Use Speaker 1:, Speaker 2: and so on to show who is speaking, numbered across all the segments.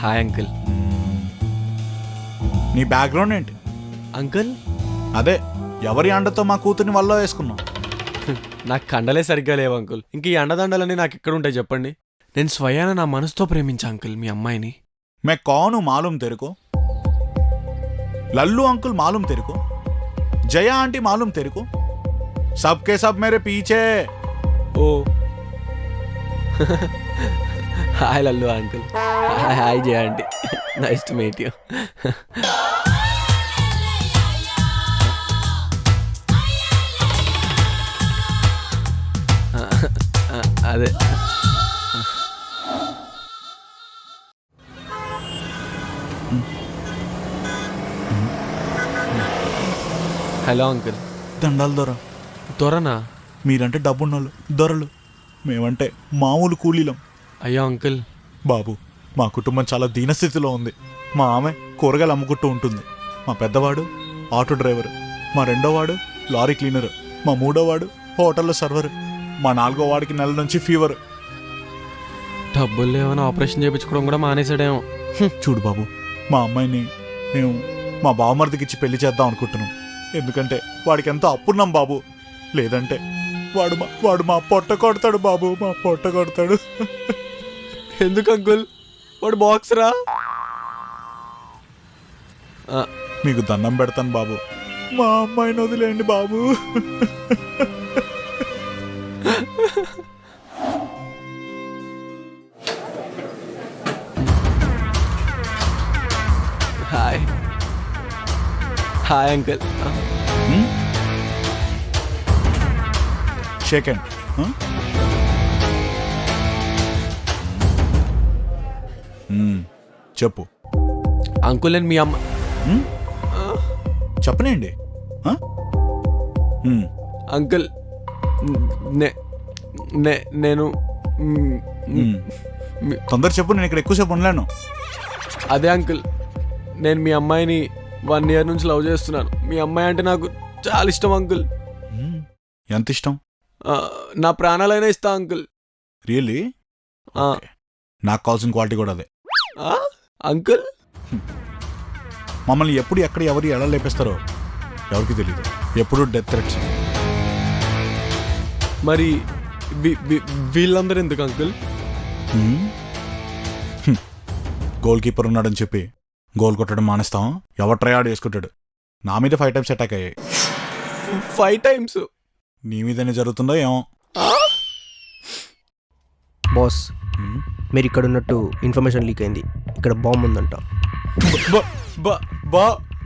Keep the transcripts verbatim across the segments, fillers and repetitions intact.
Speaker 1: Hi uncle.
Speaker 2: నీ background ఏంటి?
Speaker 1: Uncle
Speaker 2: అదే ఎవరి అండతో మా కూతుర్ని వల్ల వేసుకున్నావు?
Speaker 1: నాకు కండలే సరిగ్గా లేవు అంకుల్. ఇంక ఈ అండదండలన్నీ నాకు ఎక్కడ ఉంటాయి చెప్పండి? నేను స్వయాన నా మనసుతో ప్రేమించా అంకుల్ మీ అమ్మాయిని.
Speaker 2: మే కౌను మాలూం తెరుకో, లల్లు అంకుల్ మాలూం తెరుకో, జయ ఆంటీ మాలూం తెరుకో, సబ్కే సబ్ మేరే పీచే.
Speaker 1: Oh hi Lallu uncle. Hi hi Jaya aunty, nice to meet you. అదే హలో అంకుల్.
Speaker 2: దండాలు దొర.
Speaker 1: త్వరనా?
Speaker 2: మీరంటే డబ్బున్నోళ్ళు దొరలు, మేమంటే మామూలు కూలీలం.
Speaker 1: అయ్యో అంకుల్.
Speaker 2: బాబు, మా కుటుంబం చాలా దీనస్థితిలో ఉంది. మా ఆమె కూరగాయలు అమ్ముకుంటూ ఉంటుంది, మా పెద్దవాడు ఆటో డ్రైవర్, మా రెండోవాడు లారీ క్లీనర్, మా మూడోవాడు హోటల్లో సర్వర్, మా నాలుగో వాడికి నెల నుంచి ఫీవర్.
Speaker 1: డబ్బులు లేవని ఆపరేషన్ చేయించుకోవడం కూడా మానేసాడేమో.
Speaker 2: చూడు బాబు, మా అమ్మాయిని మేము మా బావమరిదికి ఇచ్చి పెళ్లి చేద్దాం అనుకుంటున్నాం. ఎందుకంటే వాడికి ఎంతో అప్పున్నాం బాబు. లేదంటే వాడు మా వాడు మా పొట్ట కొడతాడు బాబు, మా పొట్ట కొడతాడు.
Speaker 1: ఎందుకు అంకుల్? వాడు బాక్సరా?
Speaker 2: మీకు దండం పెడతాను బాబు, మా అమ్మాయిని వదిలేండి బాబు.
Speaker 1: Hi hi uncle.
Speaker 2: Shake hand. చెప్పు
Speaker 1: అంకుల్, నేను మీ అమ్మ.
Speaker 2: చెప్పనండి
Speaker 1: అంకుల్, నే నే- నేను
Speaker 2: తొందర చెప్పు, నేను ఇక్కడ ఎక్కువసేపు ఉండలేను.
Speaker 1: అదే అంకుల్, నేను మీ అమ్మాయిని వన్ ఇయర్ నుంచి లవ్ చేస్తున్నాను. మీ అమ్మాయి అంటే నాకు చాలా ఇష్టం అంకుల్.
Speaker 2: ఎంత ఇష్టం?
Speaker 1: ఆ, నా ప్రాణాలైనా ఇస్తా అంకుల్.
Speaker 2: రియల్లీ?
Speaker 1: ఆ,
Speaker 2: నాకు కావాల్సిన క్వాలిటీ కూడా అదే.
Speaker 1: ఆ, అంకుల్.
Speaker 2: మమ్మల్ని ఎప్పుడు ఎక్కడ ఎవరు ఎలా లేపేస్తారో ఎవరికి తెలియదు. ఎప్పుడు డెత్ థ్రెట్స్.
Speaker 1: మరి వీ- వీ- వీళ్ళందరూ ఎందుకు అంకుల్?
Speaker 2: గోల్ కీపర్ ఉన్నాడని చెప్పి గోల్ కొట్టడం మానేస్తాం. ఎవరు ట్రై ఆడ్ వేసుకుంటాడు. నా మీద ఫైవ్ టైమ్స్ అటాక్ అయ్యాయి.
Speaker 1: Five times?
Speaker 2: నీ మీదనే జరుగుతుందో ఏమో.
Speaker 3: బాస్, మీరు ఇక్కడ ఉన్నట్టు ఇన్ఫర్మేషన్ లీక్ అయింది. ఇక్కడ బాంబు ఉందంట.
Speaker 1: బా బా బా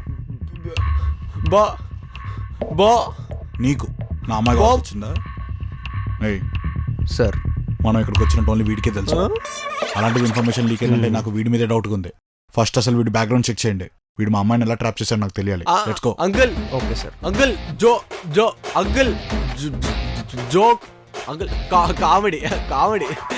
Speaker 1: బా బా
Speaker 2: నీకు నా అమ్మాయి కావాల్సి వచ్చిందా? ఏయ్,
Speaker 3: సార్,
Speaker 2: మనం ఇక్కడికి వచ్చినట్టు ఓన్లీ వీడికే తెలుసు. అలాంటిది ఇన్ఫర్మేషన్ లీక్ అయిందంటే నాకు వీడి మీదే డౌట్గా ఉంది. ఫస్ట్ అసలు వీడి బ్యాక్గ్రౌండ్ చెక్ చేయండి. వీడు మా అమ్మాయిని ఎలా ట్రాప్ చేశాడు నాకు తెలియాలి. Let's go.
Speaker 1: Uncle.
Speaker 3: Okay sir.
Speaker 1: Uncle, జో జో uncle, joke uncle, comedy comedy.